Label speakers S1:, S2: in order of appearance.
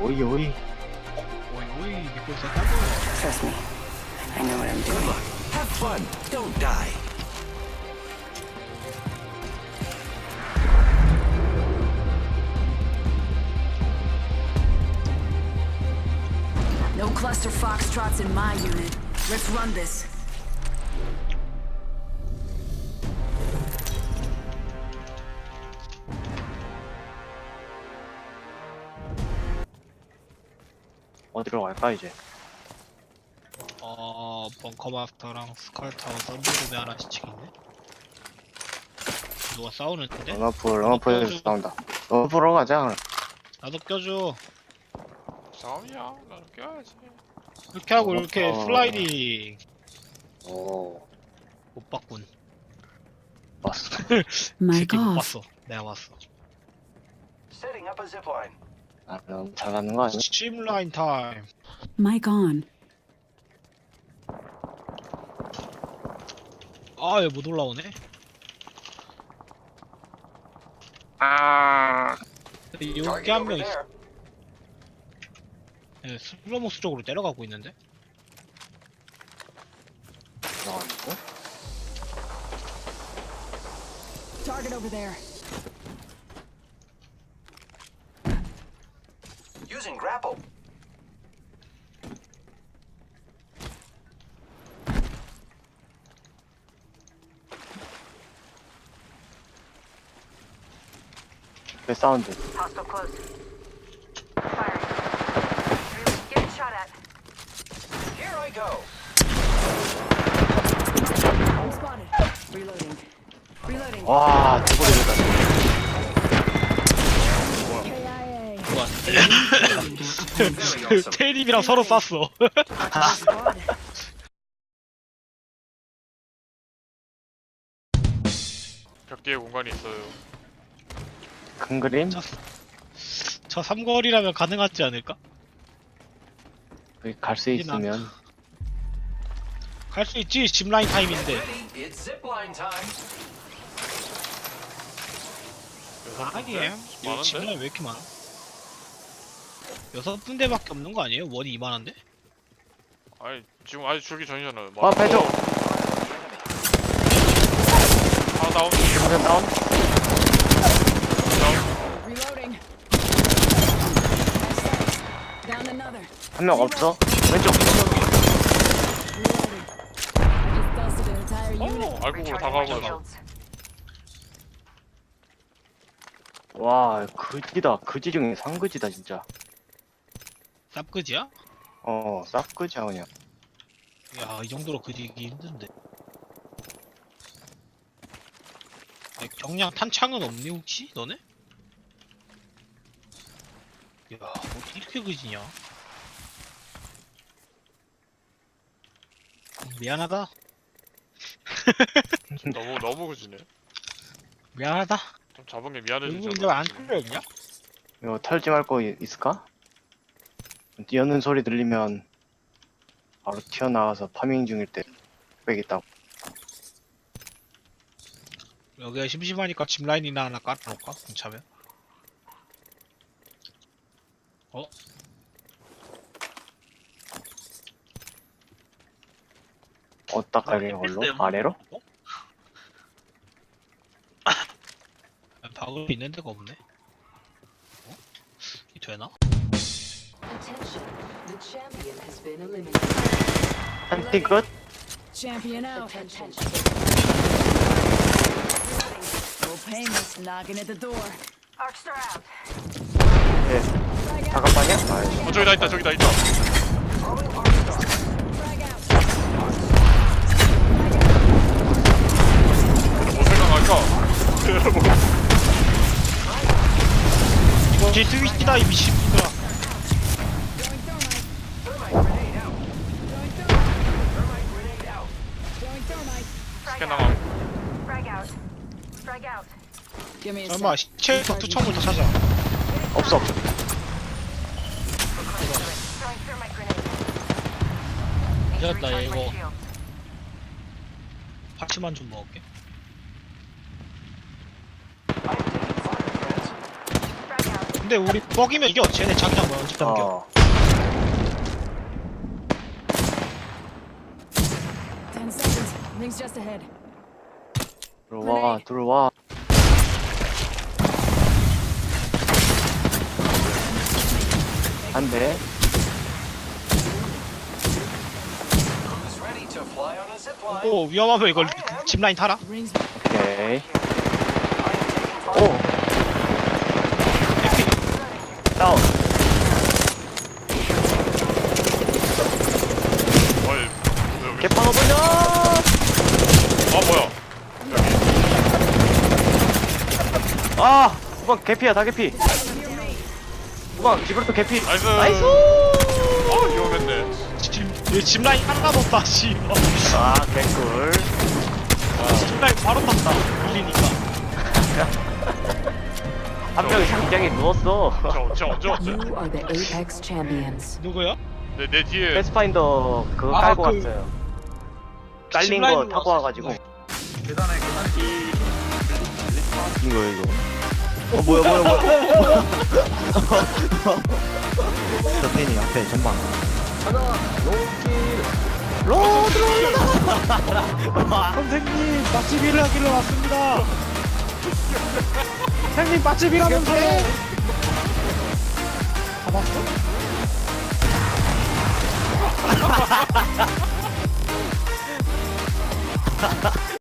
S1: 오이 오이.
S2: 오이 믿고 있었다고.
S3: Trust me. I know what I'm doing.
S4: Have fun. Don't die.
S3: No cluster foxtrots in my unit. Let's run this.
S1: 어디로 갈까 이제?
S2: 벙커마스터랑 스컬타워 썬더룸에 하나씩 치겠네? 누가 싸우는데?
S1: 런어프에서 나온다. 런어프로 가자. 그럼.
S2: 나도 껴줘.
S5: 싸움이야. 나는 껴야지.
S2: 이렇게 하고 이렇게 슬라이딩.
S1: 오,
S2: 못 봤군.
S1: 봤어.
S2: 새끼 못 봤어. 내가 봤어.
S4: Setting up a zipline.
S1: 아, 너무 잘하는 거 아니야?
S2: 스트림라인 타임.
S3: Mic on.
S2: 아, 얘 못 올라오네?
S1: 아,
S2: 여기 한 명 있어. 예, 슬로모스 쪽으로 내려가고 있는데?
S1: 나왔고.
S3: Target over there.
S4: Using grapple.
S1: 그 사운드.
S6: Hostile close. Firing. Getting shot at.
S4: Here I go.
S3: I'm spotted. Reloading. Reloading.
S1: 와, 두번이다.
S3: KIA.
S2: 좋아. 테일님이랑 서로 쐈어.
S3: Squad.
S5: 벽 뒤에 공간이 있어요.
S1: 큰 그림?
S2: 저 삼거리라면 가능하지 않을까?
S1: 거기 갈 수 있으면.
S2: 갈 수 있지, 짚라인 타임인데.
S4: Ready? It's zipline time.
S2: 아니에요. 이거
S5: 많은데?
S2: 짚라인 왜 이렇게 많아? 6군데밖에 없는 거 아니에요? 원이 이만한데?
S5: 아니 지금 아직 줄기 전이잖아요.
S1: 와, 배조.
S5: 하나 다운.
S1: 지금 다운.
S3: Reloading. Down another.
S1: 한 명 없어? 왼쪽.
S3: Reloading. I just dusted an entire unit.
S5: 알곡으로
S6: Recharging
S5: 다
S6: my
S5: 가고.
S6: shields.
S1: 와, 그지다. 그지 중에 상그지다 진짜.
S2: 쌉그지야?
S1: 쌉그지야 그냥.
S2: 야, 이 정도로 그지기 힘든데. 야, 경량 탄창은 없니 혹시? 너네? 야, 어떻게 이렇게 그지냐? 미안하다.
S5: 너무 그지네.
S2: 미안하다.
S5: 좀 잡은 게 미안해지지.
S2: 이거 이제 안 뚫려있냐?
S1: 이거 털지 말 거 있을까? 뛰어는 소리 들리면 바로 튀어나와서 파밍 중일 때 빼겠다고.
S2: 여기가 심심하니까 짚라인이나 하나 깔아놓을까? 괜찮으면? 어?
S1: 어디다 깔리는 걸로? 아래로?
S2: 박을 있는 데가 없네? 어? 이 되나?
S7: Attention, the champion has been eliminated.
S1: 한티 끝?
S3: Champion out.
S7: Attention.
S3: Old Painless knocking at the door.
S6: Arcstar out.
S1: 예. 잠깐만요. 아,
S5: 저기 다 있다. 저기 다 있다.
S3: Frag out.
S5: 뭐 생각할까?
S2: 이거 제 트위치다 이 미친놈들아.
S6: Frag
S5: 스캔
S6: out.
S5: 당함.
S6: Frag out. Frag out.
S3: Give me a
S2: 설마
S3: sec.
S2: 시체에서 투척을 다 찾아.
S1: 없어.
S6: Throwing thermite grenade.
S2: 이겼다,
S6: Recharge my
S2: 이거.
S6: shield.
S2: 파츠만 좀 먹을게.
S6: Frag out.
S2: 근데 우리 뻑이면 이겨. 쟤네 자기장 먼저 넘겨.
S1: 어.
S3: 10 seconds. Rings just ahead.
S1: 들어와, 들어와. 안 돼.
S4: Who's ready to fly on a zip line?
S2: 오 위험하면 이걸 짚라인 타라.
S3: Rings.
S1: 오케이.
S4: I am taking flight.
S1: 오! 다운.
S5: 어이 여기
S1: 개빵어 돌려!
S5: 아 뭐야
S1: 아! 후방 개피야, 다 개피. 후방, 지브르토 개피.
S5: 나이스
S1: 나이스!
S5: 어 위험했네
S2: 짚라인 하나도 없다. 씨.
S1: 아, 개꿀.
S2: 짚라인 바로 탔다. 밀리니까.
S1: 한 명이 장장에 누웠어.
S5: 저 언제 왔지?
S7: You are the Apex champions.
S2: 누구야?
S5: 내 뒤에
S1: 패스파인더 그거
S2: 아,
S1: 깔고
S2: 그-
S1: 갔어요. 깔린 거
S2: 짚라인으로
S1: 타고
S2: 왔어.
S1: 와가지고. 이거. 뭐야. 저 팬이 앞에 전방.
S2: 선생님 맛집 일하기로 왔습니다. 선생님 맛집 일하면서요. 잡았어?